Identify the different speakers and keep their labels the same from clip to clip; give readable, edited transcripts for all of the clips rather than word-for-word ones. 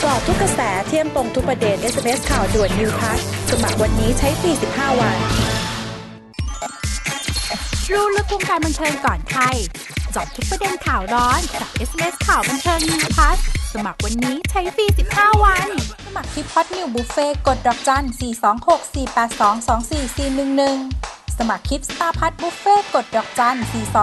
Speaker 1: กาะทุกกระแสเที่ยมตรงทุกประเด็น SMS ข่าวด่วน New Plus สมัครวันนี้ใช้ฟรี15 วัน
Speaker 2: รู้ลึกวงการบันเทิงก่อนใครเจาะทุกประเด็นข่าวร้อนกับ SMS ข่าวบันเทิง New Plus สมัครวันนี้ใช้ฟรี15 วันสมัครที่พอดนิวบุฟเฟ่กดดอกจัน 426-482-24411 สมัครคลิปสตาร์พัทบุฟเฟ่กดดอกจัน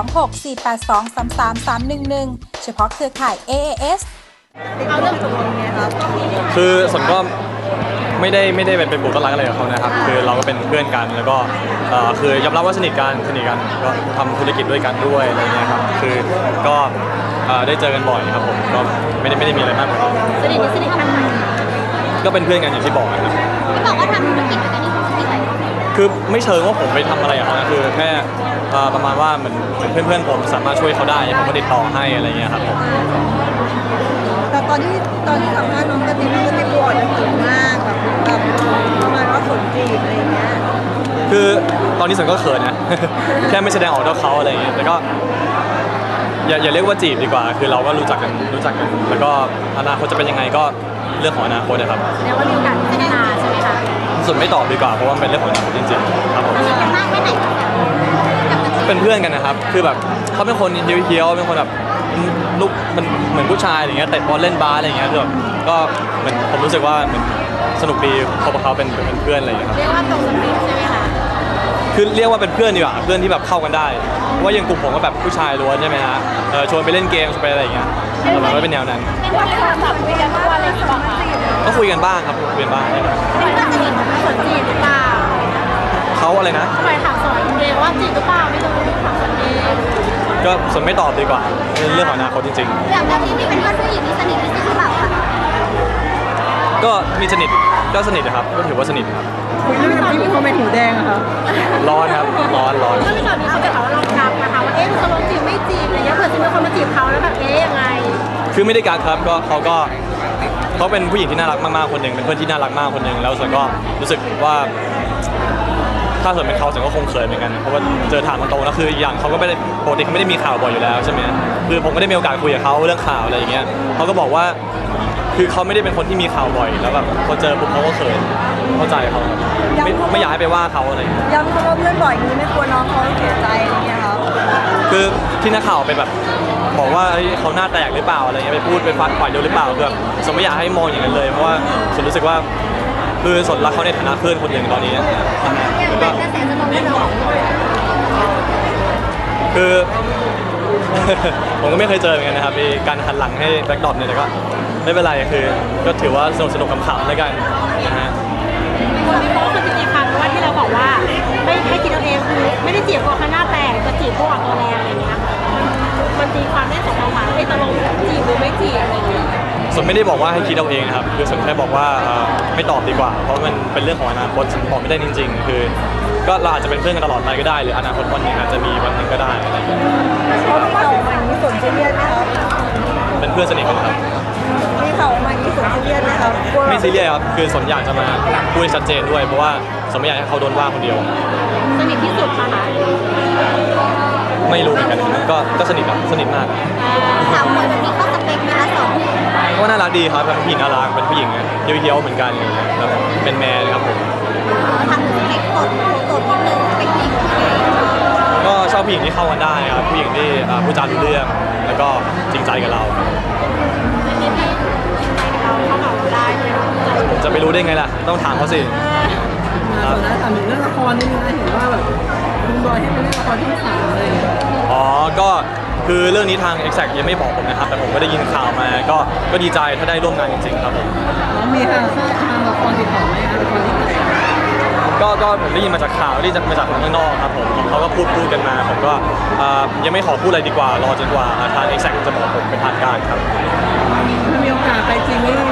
Speaker 2: 426-482-33311 เฉพาะเครือข่าย AAS
Speaker 1: เอาเรื่องตกลงไงครับ
Speaker 3: คือส่วนก็ไม่ได้เป็นบุคคลอะไรกับเขานะครับคือเราก็เป็นเพื่อนกันแล้วก็คือยอมรับว่าสนิทกันก็ทำธุรกิจด้วยกันด้วยอะไรเงี้ยครับคือก็ได้เจอกันบ่อยครับผมก็ไม่ได้มีอะไรมากกว่านั้น
Speaker 2: สนิทกันไหม
Speaker 3: ก็เป็นเพื่อนกันอย่างที่บอกนะครับ
Speaker 2: ที่บอกว่าทำธุรกิจด้วยกันนี่คืออะไร
Speaker 3: คือไม่เชิงว่าผมไปทำอะไรกับเขานะคือแค่ประมาณว่าเหมือนเพื่อนผมสามารถช่วยเขาได้ผมก็ติดต่อให้อะไรเงี้ยครับผม
Speaker 1: แต่ตอนที่สัมภาษณ์น้องกระติบบอกจะเขินมากแบบประมาณว่าขนจีบอะไรเงี้ย
Speaker 3: คือตอนนี้สันก็เขินนะ แค่ไม่แสดงออกต่อเขาอะไรเงี้ยแต่ก็อย่าเรียกว่าจีบดีกว่าคือเราก็รู้จักกันแล้วก็อนาคตจะเป็นยังไงก็เรื่องของอนาคตนะครับ
Speaker 2: แล้วว่ามีการพัฒนาใช่ไหมคะ
Speaker 3: ส่วนไม่ตอบดีกว่าเพราะว่าเป็นเรื่องของอนาคตจริงๆครับผม
Speaker 2: สนิทกันมากแค่ไหน
Speaker 3: เป็นเพื่อนกันนะครับคือแบบเขาเป็นคนเฮี้ยวเป็นคนแบบลูกมันเหมือนผู้ชายอะไรเงี้ยเตะบอลเล่นบาสอะไรเงี้ยคือแบบก็เหมือนผมรู้สึกว่าเหมือนสนุกดีเขาเป็นเพื่อนอะไรอย่างเงี้ยครับ
Speaker 2: เรียกว่าตรงสเปคใช่ไหมคะ
Speaker 3: คือเรียกว่าเป็นเพื่อนดีกว่าเพื่อนที่แบบเข้ากันได้ว่าอย่างกลุ่มผมก็แบบผู้ชายล้วนใช่ไหมฮะชวนไปเล่นเกมชวนไปอะไรอย่างเงี้ยประมาณว่าเป็นแนวนั้น
Speaker 2: เป็นวันที่เราคุยกันทุกวันอะไรอย่างเงี้ยป่ะคะ
Speaker 3: ก็คุยกันบ้างครับคุยกันบ้าง
Speaker 2: เป็นว่าสนิทสนจีบหรือเปล่า
Speaker 3: เขาอะไรนะ
Speaker 2: ทำไมถามสอนเองว่าจีบหรือเปล่าไม่รู้ถามสอนเอง
Speaker 3: ก็ส่วนไม่ตอบดีกว่าเรื่องของอนาคตจริง
Speaker 2: ๆอย่างที่นี่เป็นเพื่อนผู้หญิงที่สนิทที่สุดหรือเปล่าคะ
Speaker 3: ก็มีสนิทนะครับก็ถือว่าสนิทครับ
Speaker 1: คุยเรื่องที่มีคอมเมนต์หูแดงอะครับ
Speaker 3: ร้อนครับร้อน
Speaker 2: ก็มีตอนนี้เขาจะถามว่าเรากักนะคะว่าตกลงจีบไม่จีบอะไรเงี้ยเผื่อจะมีคนมาจีบเขาแล้วแบบยังไง
Speaker 3: คือไม่ได้กักครับก็เขาเป็นผู้หญิงที่น่ารักมากๆคนหนึ่งเป็นเพื่อนที่น่ารักมากคนหนึ่งแล้วส่วนก็รู้สึกว่าถ้าเกิดเป็นเขาส่วนก็คงเขินเหมือนกันเพราะว่าเจอถามตรงๆแล้วคืออย่างเขาก็ไม่ได้ปกติเขาไม่ได้มีข่าวบ่อยอยู่แล้วใช่ไหมคือผมก็ได้มีโอกาสคุยกับเขาเรื่องข่าวอะไรอย่างเงี้ยเขาก็บอกว่าคือเขาไม่ได้เป็นคนที่มีข่าวบ่อยแล้วแบบพอเจอปุ๊บเขาก็เขินเข้าใจเขาไม่อยากให้ไปว่าเขาอะไร
Speaker 1: ย้ำเขาว่าเพื่อนบ่อยนี้ไม่กลัวน้องเขาเสียใจอะไรเงี้ยครับ
Speaker 3: คือที่นักข่าวไปแบบบอกว่าเขาหน้าแตกหรือเปล่าอะไรเงี้ยไปพูดไปฟันปล่อยเร็วหรือเปล่าคือสมไม่อยากให้มองอย่างนั้นเลยเพราะว่าสนรู้สึกว่าคือสนรักเขาในฐานะเพื่อนคนหนึ่งตอนนี้แล้วก็คือ ผมก็ไม่เคยเจอเหมือนกันนะครับมีการหันหลังให้แบ็คดรอปเนี่ยแต่ก็ไม่เป็นไรคือก็ถือว่าสนุกขำๆแล้วกันนะฮะ
Speaker 2: พี่โป๊คือจีบครั้งว่าที่เราบอกว่าไม่คิดเอาเองคือไม่ได้จีบเพราะเขาหน้าแตกจะจีบเพราะตัวแรงอะไรเงี้ยมันตีความได้สองทางให้ตกลงจีบหรือไม่จีบอะไรเงี้ย
Speaker 3: ส่วนไม่ได้บอกว่าให้คิดเอาเองนะครับคือส่วนแค่บอกว่าไม่ตอบดีกว่าเพราะมันเป็นเรื่องของอนาคตฉันบอกไม่ได้จริงๆคือก็เราอาจจะเป็นเพื่อนกันตลอดไปก็ได้หรืออนาคตวันหนึ่งอาจจะมีวันหนึ่งก็ได้อะไรอย่างเงี้ย
Speaker 1: เขาไม่ข่าวมาอย่างนี้สนซีเรียสไหมครับ
Speaker 3: เป็นเพื่อนสนิทกันครับ
Speaker 1: มีข่าวมาอย่างนี้สนซีเรียสไหมครับ
Speaker 3: ไม่ซีเรียสครับคือสนอยากจะมาพูดให้ชัดเจนด้วยเพราะว่าสนไม่อยากให้เขาโดนว่าคนเดียว
Speaker 2: สนิทที่สุดค่ะ
Speaker 3: ไม่รู้เหมือนกันก็สนิทครับสนิทมาก
Speaker 2: สาวคนนี้เขาสเปคไหมคะสอง
Speaker 3: ก็น่ารักดีครับเป็นผู้หญิงน่ารักเป็นผู้หญิงเที่ยวเหมือนกันแบบเป็นแมนครับผม
Speaker 2: ทำสเปคสดนิดนึงเป็นผู้หญิง
Speaker 3: ก็ชอบผู้หญิงที่เข้ากันได้ครับผู้หญิงที่พูดจารู้เรื่องแล้วก็จริงใจกับเราจะไปรู้ได้ไงล่ะต้องถามเขาสิ
Speaker 1: ครับถามถึงเรื่องละครนิดนึงนะเห็นว่าแบบคุณบอยให้เป็นเรื่องละครที่สามเลย
Speaker 3: อ๋อก็คือเรื่องนี้ทาง Exact ยังไม่บอกผมนะครับแต่ผมก็ได้ยินข่าวมาก็ดีใจถ้าได้ร่วมงานจริงๆครับผม
Speaker 1: มีทางละครติดต่อไหมละครที่
Speaker 3: ก็ผมได้ยินมาจากข่าวที่มาจากข้างนอกครับผมเขาก็พูดกันมาผมก็ยังไม่ขอพูดอะไรดีกว่ารอจนกว่าทาง Exact จะบอกผมเป็นทางการครับ
Speaker 1: มีโอกาสไปจริงนี่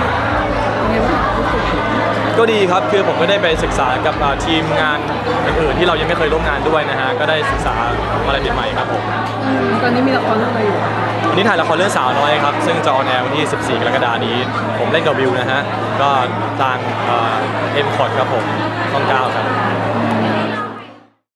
Speaker 3: ก็ดีครับคือผมก็ได้ไปศึกษากับทีมงานอื่นๆที่เรายังไม่เคยร่วมงานด้วยนะฮะก็ได้ศึกษาอะไรใหม่ๆครับผม
Speaker 1: ตอนนี้มีละครเรื่องอะไรอยู่
Speaker 3: วันนี้ถ่ายละครเรื่องสาวน้อยครับซึ่งจะออนแอร์วันที่14 กรกฎาคมนี้ผมเล่นกับวิวนะฮะก็ทางเอ็มคอร์ดครับผมช่อง 9ครับ